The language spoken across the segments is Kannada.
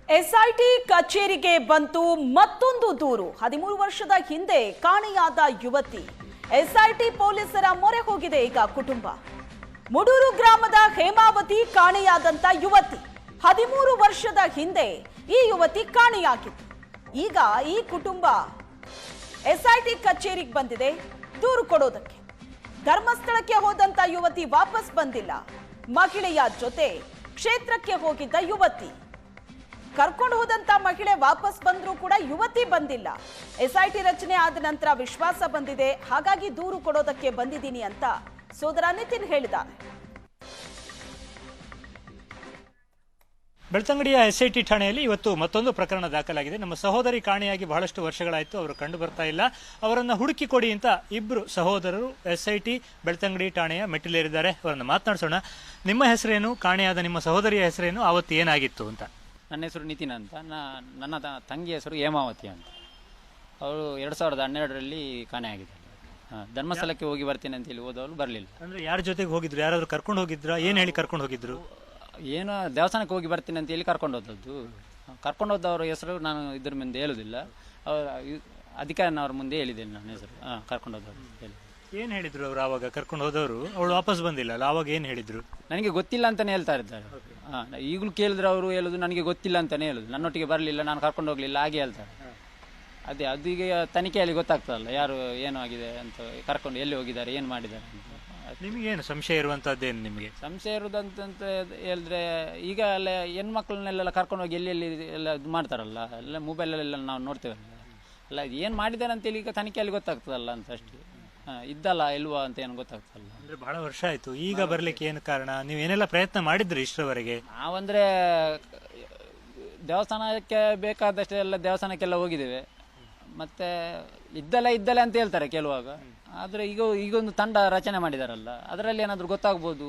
ಎಸ್ಐಟಿ ಕಚೇರಿಗೆ ಬಂತು ಮತ್ತೊಂದು ದೂರು. 13 ವರ್ಷದ ಹಿಂದೆ ಕಾಣೆಯಾದ ಯುವತಿ. ಎಸ್ಐಟಿ ಪೊಲೀಸರ ಮೊರೆ ಹೋಗಿದೆ ಈಗ ಕುಟುಂಬ. ಮುಡೂರು ಗ್ರಾಮದ ಹೇಮಾವತಿ ಕಾಣೆಯಾದಂತ ಯುವತಿ. 13 ವರ್ಷದ ಹಿಂದೆ ಈ ಯುವತಿ ಕಾಣೆಯಾಗಿತ್ತು. ಈಗ ಈ ಕುಟುಂಬ ಎಸ್ಐಟಿ ಕಚೇರಿಗೆ ಬಂದಿದೆ ದೂರು ಕೊಡೋದಕ್ಕೆ. ಧರ್ಮಸ್ಥಳಕ್ಕೆ ಹೋದಂತ ಯುವತಿ ವಾಪಸ್ ಬಂದಿಲ್ಲ. ಮಹಿಳೆಯ ಜೊತೆ ಕ್ಷೇತ್ರಕ್ಕೆ ಹೋಗಿದ್ದ ಯುವತಿ. ಕರ್ಕೊಂಡು ಹೋದಂತ ಮಹಿಳೆ ವಾಪಸ್ ಬಂದ್ರೂ ಕೂಡ ಯುವತಿ ಬಂದಿಲ್ಲ. ಎಸ್ಐಟಿ ರಚನೆ ಆದ ನಂತರ ವಿಶ್ವಾಸ ಬಂದಿದೆ, ಹಾಗಾಗಿ ದೂರು ಕೊಡೋದಕ್ಕೆ ಬಂದಿದ್ದೀನಿ ಅಂತ ಸೋದರ ನಿತಿನ್ ಹೇಳಿದ್ದಾರೆ. ಬೆಳ್ತಂಗಡಿಯ ಎಸ್ಐಟಿ ಠಾಣೆಯಲ್ಲಿ ಇವತ್ತು ಮತ್ತೊಂದು ಪ್ರಕರಣ ದಾಖಲಾಗಿದೆ. ನಮ್ಮ ಸಹೋದರಿ ಕಾಣೆಯಾಗಿ ಬಹಳಷ್ಟು ವರ್ಷಗಳಾಯಿತು, ಅವರು ಕಂಡು ಬರ್ತಾ ಇಲ್ಲ. ಅವರನ್ನು ಹುಡುಕಿ ಕೊಡಿ ಅಂತ ಇಬ್ಬರು ಸಹೋದರರು ಎಸ್ಐಟಿ ಬೆಳ್ತಂಗಡಿ ಠಾಣೆಯ ಮೆಟ್ಟಿಲೇರಿದ್ದಾರೆ. ಅವರನ್ನು ಮಾತನಾಡಿಸೋಣ. ನಿಮ್ಮ ಹೆಸರೇನು, ಕಾಣೆಯಾದ ನಿಮ್ಮ ಸಹೋದರಿಯ ಹೆಸರೇನು, ಆವತ್ತು ಏನಾಗಿತ್ತು ಅಂತ? ನನ್ನ ಹೆಸರು ನಿತಿನ್ ಅಂತ. ನನ್ನ ತಂಗಿ ಹೆಸರು ಹೇಮಾವತಿ ಅಂತ. ಅವರು 2012ರಲ್ಲಿ ಕಾಣೆಯಾಗಿದ್ದಾರೆ. ಧರ್ಮಸ್ಥಳಕ್ಕೆ ಹೋಗಿ ಬರ್ತೀನಿ ಅಂತ ಹೇಳಿ ಹೋದವರು ಬರಲಿಲ್ಲ. ಅಂದ್ರೆ ಯಾರ ಜೊತೆಗೆ ಹೋಗಿದ್ರು? ಯಾರಾದ್ರೂ ಕರ್ಕೊಂಡು ಹೋಗಿದ್ರ? ಏನ್ ಹೇಳಿ ಕರ್ಕೊಂಡು ಹೋಗಿದ್ರು? ಏನೋ ದೇವಸ್ಥಾನಕ್ಕೆ ಹೋಗಿ ಬರ್ತೀನಿ ಅಂತ ಹೇಳಿ ಕರ್ಕೊಂಡು ಹೋದದ್ದು. ಕರ್ಕೊಂಡು ಹೋದವ್ರ ಹೆಸರು ನಾನು ಇದ್ರ ಮುಂದೆ ಹೇಳುದಿಲ್ಲ, ಅವ್ರ ಅಧಿಕಾರಿನವ್ರ ಮುಂದೆ ಹೇಳಿದ್ದೇನೆ ನನ್ನ ಹೆಸರು. ಕರ್ಕೊಂಡು ಹೋದವರು ಹೇಳಿ. ಏನ್ ಹೇಳಿದ್ರು ಅವ್ರು ಆವಾಗ ಕರ್ಕೊಂಡು ಹೋದವರು? ಅವಳು ವಾಪಸ್ ಬಂದಿಲ್ಲ ಅಲ್ಲ, ಆವಾಗ ಏನ್ ಹೇಳಿದ್ರು? ನನಗೆ ಗೊತ್ತಿಲ್ಲ ಅಂತಾನೆ ಹೇಳ್ತಾ ಇದ್ದಾರೆ. ಈಗಲೂ ಕೇಳಿದ್ರೆ ಅವರು ಹೇಳುದು ನನಗೆ ಗೊತ್ತಿಲ್ಲ ಅಂತಾನೆ ಹೇಳುದು. ನನ್ನೊಟ್ಟಿಗೆ ಬರಲಿಲ್ಲ, ನಾನು ಕರ್ಕೊಂಡು ಹೋಗ್ಲಿಲ್ಲ, ಹಾಗೆ ಹೇಳ್ತಾರೆ. ಅದೇ ಅದು ಈಗ ತನಿಖೆಯಲ್ಲಿ ಗೊತ್ತಾಗ್ತದಲ್ಲ ಯಾರು ಏನು ಆಗಿದೆ ಅಂತ, ಕರ್ಕೊಂಡು ಎಲ್ಲಿ ಹೋಗಿದ್ದಾರೆ, ಏನು ಮಾಡಿದ್ದಾರೆ ಅಂತ. ನಿಮಗೇನು ಸಂಶಯ ಇರುವಂತದ್ದೇನು? ನಿಮಗೆ ಸಂಶಯ ಇರುವುದಂತ ಹೇಳಿದ್ರೆ ಈಗ ಎಲ್ಲ ಹೆಣ್ಮಕ್ಳನ್ನೆಲ್ಲ ಕರ್ಕೊಂಡು ಹೋಗಿ ಎಲ್ಲಿ ಎಲ್ಲ ಇದು ಮಾಡ್ತಾರಲ್ಲ, ಎಲ್ಲ ಮೊಬೈಲಲ್ಲೆಲ್ಲ ನಾವು ನೋಡ್ತೇವಲ್ಲ, ಅಲ್ಲ ಏನು ಮಾಡಿದ್ದಾರೆ ಅಂತೇಳಿ ಈಗ ತನಿಖೆಯಲ್ಲಿ ಗೊತ್ತಾಗ್ತದಲ್ಲ ಅಂತ ಅಷ್ಟೇ. ಇದ್ದಲ್ಲ ಇಲ್ವಾ ಅಂತ ಏನು ಗೊತ್ತಾಗ್ತಲ್ಲ. ಅಂದ್ರೆ ಬಹಳ ವರ್ಷ ಆಯ್ತು, ಈಗ ಬರ್ಲಿಕ್ಕೆ ಏನು ಕಾರಣ? ನೀವು ಏನೆಲ್ಲ ಪ್ರಯತ್ನ ಮಾಡಿದ್ರಿ ಇಷ್ಟರವರೆಗೆ? ನಾವಂದ್ರೆ ದೇವಸ್ಥಾನಕ್ಕೆ ಬೇಕಾದಷ್ಟೇ ಎಲ್ಲ ದೇವಸ್ಥಾನಕ್ಕೆಲ್ಲ ಹೋಗಿದ್ದೇವೆ. ಮತ್ತೆ ಇದ್ದಲ್ಲ ಅಂತ ಹೇಳ್ತಾರೆ ಕೆಲವಾಗ. ಆದರೆ ಈಗೊಂದು ತಂಡ ರಚನೆ ಮಾಡಿದಾರಲ್ಲ, ಅದರಲ್ಲಿ ಏನಾದರೂ ಗೊತ್ತಾಗ್ಬೋದು,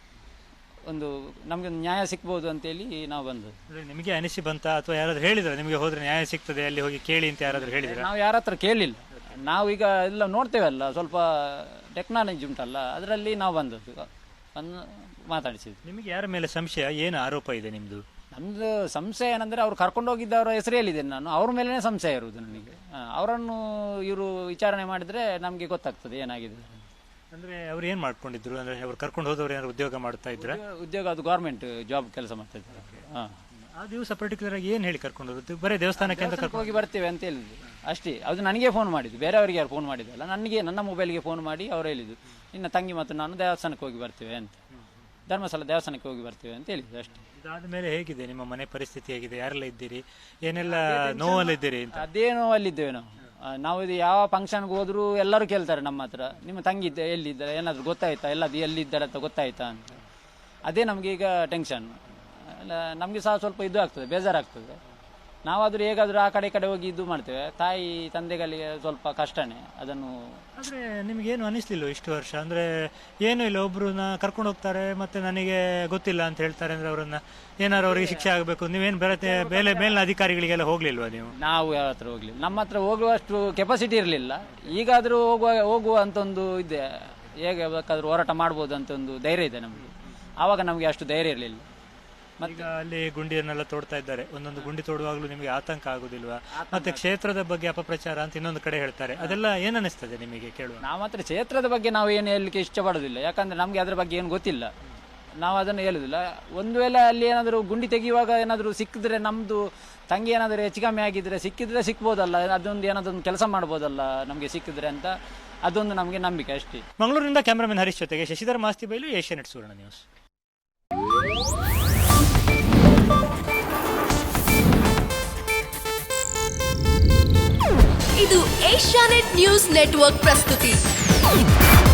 ಒಂದು ನಮಗೆ ನ್ಯಾಯ ಸಿಕ್ಬೋದು ಅಂತೇಳಿ ನಾವು ಬಂದದ್ದು. ನಿಮಗೆ ಅನಿಸಿ ಬಂತ ಅಥವಾ ಯಾರಾದ್ರೂ ಹೇಳಿದ್ರೆ ನಿಮಗೆ ಹೋದ್ರೆ ನ್ಯಾಯ ಸಿಗ್ತದೆ ಅಲ್ಲಿ ಹೋಗಿ ಕೇಳಿ ಅಂತ ಯಾರಾದ್ರೂ ಹೇಳಿದ್ರೆ? ನಾವು ಯಾರ ಹತ್ರ ಕೇಳಲಿಲ್ಲ. ನಾವು ಈಗ ಎಲ್ಲ ನೋಡ್ತೇವಲ್ಲ, ಸ್ವಲ್ಪ ಟೆಕ್ನಾಲಜಿ ಉಂಟಲ್ಲ, ಅದರಲ್ಲಿ ನಾವು ಬಂದದ್ದು ಮಾತಾಡಿಸಿದ್ವಿ. ನಿಮಗೆ ಯಾರ ಮೇಲೆ ಸಂಶಯ, ಏನು ಆರೋಪ ಇದೆ ನಿಮ್ದು? ನಮ್ದು ಸಂಶಯ ಏನಂದ್ರೆ ಅವ್ರು ಕರ್ಕೊಂಡು ಹೋಗಿದ್ದವರ ಹೆಸರು ಹೇಳಿದ್ದೇನೆ ನಾನು, ಅವ್ರ ಮೇಲೇ ಸಂಶಯ ಇರುವುದು ನನಗೆ. ಅವರನ್ನು ಇವರು ವಿಚಾರಣೆ ಮಾಡಿದ್ರೆ ನಮಗೆ ಗೊತ್ತಾಗ್ತದೆ ಏನಾಗಿದೆ. ಅಂದ್ರೆ ಅವ್ರು ಏನ್ ಮಾಡ್ಕೊಂಡಿದ್ರು? ಅಂದ್ರೆ ಅವ್ರು ಕರ್ಕೊಂಡು ಹೋದವ್ರು ಏನಾದ್ರು ಉದ್ಯೋಗ ಮಾಡ್ತಾ ಇದ್ರ? ಉದ್ಯೋಗ, ಅದು ಗೌರ್ಮೆಂಟ್ ಜಾಬ್ ಕೆಲಸ ಮಾಡ್ತಾ ಇದ್ದಾರೆ. ಆ ದಿವಸ ಪರ್ಟಿಕ್ಯುಲರ್ ಆಗಿ ಏನ್ ಹೇಳಿ ಕರ್ಕೊಂಡು ಹೋದ್ರು? ಬರೀ ದೇವಸ್ಥಾನಕ್ಕೆ ಅಂತ ಹೋಗಿ ಬರ್ತೇವೆ ಅಂತ ಹೇಳಿದ್ರು ಅಷ್ಟೇ. ಅದು ನನಗೆ ಫೋನ್ ಮಾಡಿದ್ದು, ಬೇರೆಯವರಿಗೆ ಯಾರು ಫೋನ್ ಮಾಡಿದ್ದಲ್ಲ, ನನಗೆ ನನ್ನ ಮೊಬೈಲ್ಗೆ ಫೋನ್ ಮಾಡಿ ಅವ್ರು ಹೇಳಿದ್ದು, ನಿನ್ನ ತಂಗಿ ಮತ್ತು ನಾನು ದೇವಸ್ಥಾನಕ್ಕೆ ಹೋಗಿ ಬರ್ತೇವೆ ಅಂತ, ಧರ್ಮಸ್ಥಳ ದೇವಸ್ಥಾನಕ್ಕೆ ಹೋಗಿ ಬರ್ತೇವೆ ಅಂತ ಹೇಳಿದ್ದು ಅಷ್ಟೇ. ಇದಾದ್ಮೇಲೆ ಹೇಗಿದೆ ನಿಮ್ಮ ಮನೆ ಪರಿಸ್ಥಿತಿ? ಹೇಗಿದೆ? ಯಾರೆಲ್ಲ ಇದ್ದೀರಿ? ಏನೆಲ್ಲ ನೋವಲ್ಲಿದ್ದೀರಿ ಅಂತ? ಅದೇ ನೋವಲ್ಲಿದ್ದೇವೆ ನಾವು. ಇದು ಯಾವ ಫಂಕ್ಷನ್ಗೆ ಹೋದ್ರು ಎಲ್ಲರೂ ಕೇಳ್ತಾರೆ ನಮ್ಮ ಹತ್ರ, ನಿಮ್ಮ ತಂಗಿ ಎಲ್ಲಿದ್ದಾರೆ, ಏನಾದರೂ ಗೊತ್ತಾಯ್ತಾ, ಎಲ್ಲದು ಎಲ್ಲಿದ್ದಾರೆ ಅಂತ ಗೊತ್ತಾಯ್ತಾ ಅಂತ. ಅದೇ ನಮಗೆ ಈಗ ಟೆನ್ಷನ್. ನಮಗೆ ಸಹ ಸ್ವಲ್ಪ ಇದು ಆಗ್ತದೆ, ಬೇಜಾರಾಗ್ತದೆ. ನಾವಾದರೂ ಹೇಗಾದರೂ ಆ ಕಡೆ ಹೋಗಿ ಇದು ಮಾಡ್ತೇವೆ. ತಾಯಿ ತಂದೆಗಳಿಗೆ ಸ್ವಲ್ಪ ಕಷ್ಟನೇ ಅದನ್ನು. ಆದರೆ ನಿಮಗೇನು ಅನಿಸ್ಲಿಲ್ಲ ಇಷ್ಟು ವರ್ಷ? ಅಂದರೆ ಏನೂ ಇಲ್ಲ, ಒಬ್ಬರನ್ನ ಕರ್ಕೊಂಡು ಹೋಗ್ತಾರೆ ಮತ್ತೆ ನನಗೆ ಗೊತ್ತಿಲ್ಲ ಅಂತ ಹೇಳ್ತಾರೆ. ಅಂದರೆ ಅವರನ್ನ ಏನಾರು ಅವರಿಗೆ ಶಿಕ್ಷೆ ಆಗಬೇಕು, ನೀವೇನು ಮೇಲಿನ ಅಧಿಕಾರಿಗಳಿಗೆಲ್ಲ ಹೋಗ್ಲಿಲ್ವಾ ನೀವು? ನಾವು ಯಾವ ಹತ್ರ ಹೋಗ್ಲಿಲ್ಲ, ನಮ್ಮ ಹತ್ರ ಹೋಗುವಷ್ಟು ಕೆಪಾಸಿಟಿ ಇರಲಿಲ್ಲ. ಈಗಾದರೂ ಹೋಗುವ ಅಂತ ಒಂದು ಇದೆ, ಹೇಗೆ ಬೇಕಾದರೂ ಹೋರಾಟ ಮಾಡ್ಬೋದು ಅಂತ ಒಂದು ಧೈರ್ಯ ಇದೆ ನಮಗೆ. ಆವಾಗ ನಮಗೆ ಅಷ್ಟು ಧೈರ್ಯ ಇರಲಿಲ್ಲ. ಈಗ ಅಲ್ಲಿ ಗುಂಡಿಯನ್ನೆಲ್ಲ ತೋಡ್ತಾ ಇದ್ದಾರೆ. ಒಂದೊಂದು ಗುಂಡಿ ತೋಡುವಾಗಲೂ ನಿಮಗೆ ಆತಂಕ ಆಗುದಿಲ್ವಾ? ಮತ್ತೆ ಕ್ಷೇತ್ರದ ಬಗ್ಗೆ ಅಪಪ್ರಚಾರ ಅಂತ ಇನ್ನೊಂದು ಕಡೆ ಹೇಳ್ತಾರೆ, ಅದೆಲ್ಲ ಏನ್ ಅನಿಸ್ತದೆ ನಿಮಗೆ ಕೇಳುವ? ನಾವು ಮಾತ್ರ ಕ್ಷೇತ್ರದ ಬಗ್ಗೆ ನಾವು ಏನು ಹೇಳಲಿಕ್ಕೆ ಇಷ್ಟಪಡೋದಿಲ್ಲ, ಯಾಕಂದ್ರೆ ನಮಗೆ ಅದ್ರ ಬಗ್ಗೆ ಏನು ಗೊತ್ತಿಲ್ಲ. ನಾವು ಅದನ್ನು ಹೇಳುದಿಲ್ಲ. ಒಂದು ವೇಳೆ ಅಲ್ಲಿ ಏನಾದರೂ ಗುಂಡಿ ತೆಗೆಯುವಾಗ ಏನಾದರೂ ಸಿಕ್ಕಿದ್ರೆ, ನಮ್ದು ತಂಗಿ ಏನಾದರೂ ಹೆಚ್ಚು ಕಮ್ಮಿ ಆಗಿದ್ರೆ ಸಿಕ್ಕಿದ್ರೆ ಸಿಕ್ಬೋದಲ್ಲ, ಅದೊಂದು ಏನಾದೊಂದು ಕೆಲಸ ಮಾಡ್ಬೋದಲ್ಲ ನಮಗೆ ಸಿಕ್ಕಿದ್ರೆ ಅಂತ, ಅದೊಂದು ನಮಗೆ ನಂಬಿಕೆ ಅಷ್ಟೇ. ಮಂಗಳೂರಿನಿಂದ ಕ್ಯಾಮರಾಮನ್ ಹರೀಶ್ ಜೊತೆಗೆ ಶಶಿಧರ್ ಮಾಸ್ತಿ ಬೈಲು, ಏಷ್ಯಾನೆಟ್ ಸುವರ್ಣ ನ್ಯೂಸ್. ಇದು ಏಷ್ಯಾನೆಟ್ ನ್ಯೂಸ್ ನೆಟ್ವರ್ಕ್ ಪ್ರಸ್ತುತಿ.